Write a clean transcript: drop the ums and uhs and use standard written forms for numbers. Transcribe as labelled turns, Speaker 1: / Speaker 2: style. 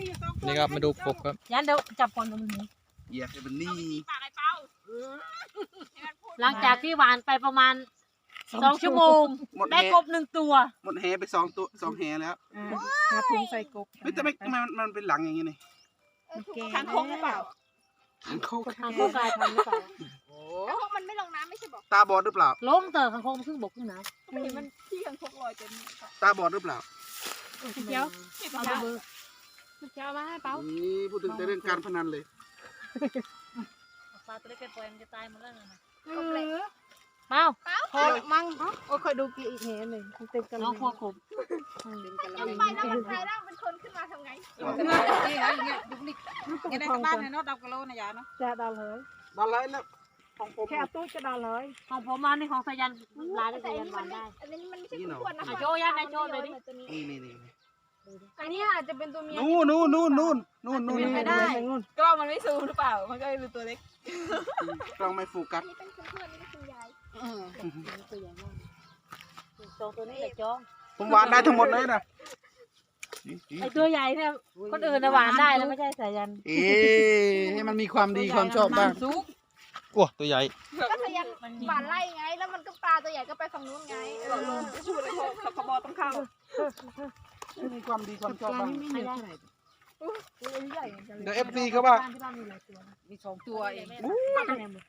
Speaker 1: นี่ครับมาดูกบครับ
Speaker 2: ยันเดี๋ยวจับก่อนตรงนี้
Speaker 3: เหยียบให้มันนี่
Speaker 2: หลังจากที่หวานไปประมาณ2 ชั่วโมง
Speaker 3: หมด
Speaker 2: ได้
Speaker 3: แห
Speaker 2: กบ1 ตัว
Speaker 3: หมดแหไป2 แหแล้ว
Speaker 4: หาถุงใส่กบ
Speaker 3: เฮ้ยแต่ไม่มันเป็นหลังอย่างงี้นี่
Speaker 4: ทางโค้งหรือเปล่า
Speaker 3: ทางโค้ง
Speaker 2: ทางโคกกลายพันธุ์หรือเปล่า
Speaker 5: แล้วพวกมันไม่ลงน้ำไม่ใช่บอก
Speaker 3: ตาบอดหรือเปล่า
Speaker 2: ลงเตอข้างโคกมันขึ้นบกขึ้นน้
Speaker 5: ไม่เห็นมันที่ยังคกลอยเต็ม
Speaker 3: ตาบอดหรือเปล่า
Speaker 2: ำ
Speaker 4: เดี๋ยว
Speaker 2: เอาไปเบอร์
Speaker 4: จะเอามาให้เปา
Speaker 3: นี่พูดถึงแต่เรื่องการพนันเลย
Speaker 2: ปลาตัวเล็กไปปล่อยมันจะตายหมดแล้วนะ
Speaker 4: เปาพอมั่งโอ้คอยดูกี่อีกแหนหนึ่งเต็มกัน
Speaker 2: น้องพวกผม
Speaker 5: ลงไปแล้วมันกลายร่างเป็นคนขึ้นมาทำไง
Speaker 4: งั้นในบ้านเนี่ยเนาะดาวกะโลนะยาเนาะจะดาวเลย
Speaker 3: มาเลยแล้วของผม
Speaker 4: แค่ตู้จะดาวเลย
Speaker 2: ของผมมาในของสายันลายได้
Speaker 5: แต่
Speaker 2: สายั
Speaker 5: อั
Speaker 2: น
Speaker 5: น
Speaker 2: ห
Speaker 5: นี้
Speaker 2: วา
Speaker 5: มัน นไม่
Speaker 2: ได้
Speaker 5: อันนี้มันไม่ใช่คุณควรนะคะ
Speaker 2: โชว์ยันไหนโชว์หน่อยดิ
Speaker 3: นี่
Speaker 4: อันนี้อาจจะเป็นตัวเมีย
Speaker 3: นู่น
Speaker 4: ไม่ได้กล้องมันไม่ซูมหรือเปล่ามันก็เลยดูตัวเล็ก
Speaker 3: กล้องไม่โฟกัส
Speaker 5: นี่เป็นคุณเพื่อนนี่เป็นคุณยาย
Speaker 2: ตัวใหญ่มากจองตัวนี้แหละจอง
Speaker 3: ผมหวานได้ทั้งหมดเลยนะ
Speaker 2: ไอตัวใหญ่เนี่ยคนอื่นนะหวานได้แล้วไม่ใช่สายัน
Speaker 3: เอ๊ะให้มันมีความดีความชอบบ้าง
Speaker 1: กลัวตัวใหญ่
Speaker 5: ก็พยายามหวานไล่ไง แล้วมันก็ปลาตัวใหญ่ก็ไปฝั่งนู้นไง
Speaker 4: พูดเลยเขาบอต้องเข้า
Speaker 3: ให้มีความดีความชอบบ้าง
Speaker 2: ไม่ได้
Speaker 3: เดี๋ยว FC เขาว่า
Speaker 2: ที่บ้านมีหลายตัว
Speaker 4: มี2 ตัวเอง
Speaker 2: ป้าไปไหนหมด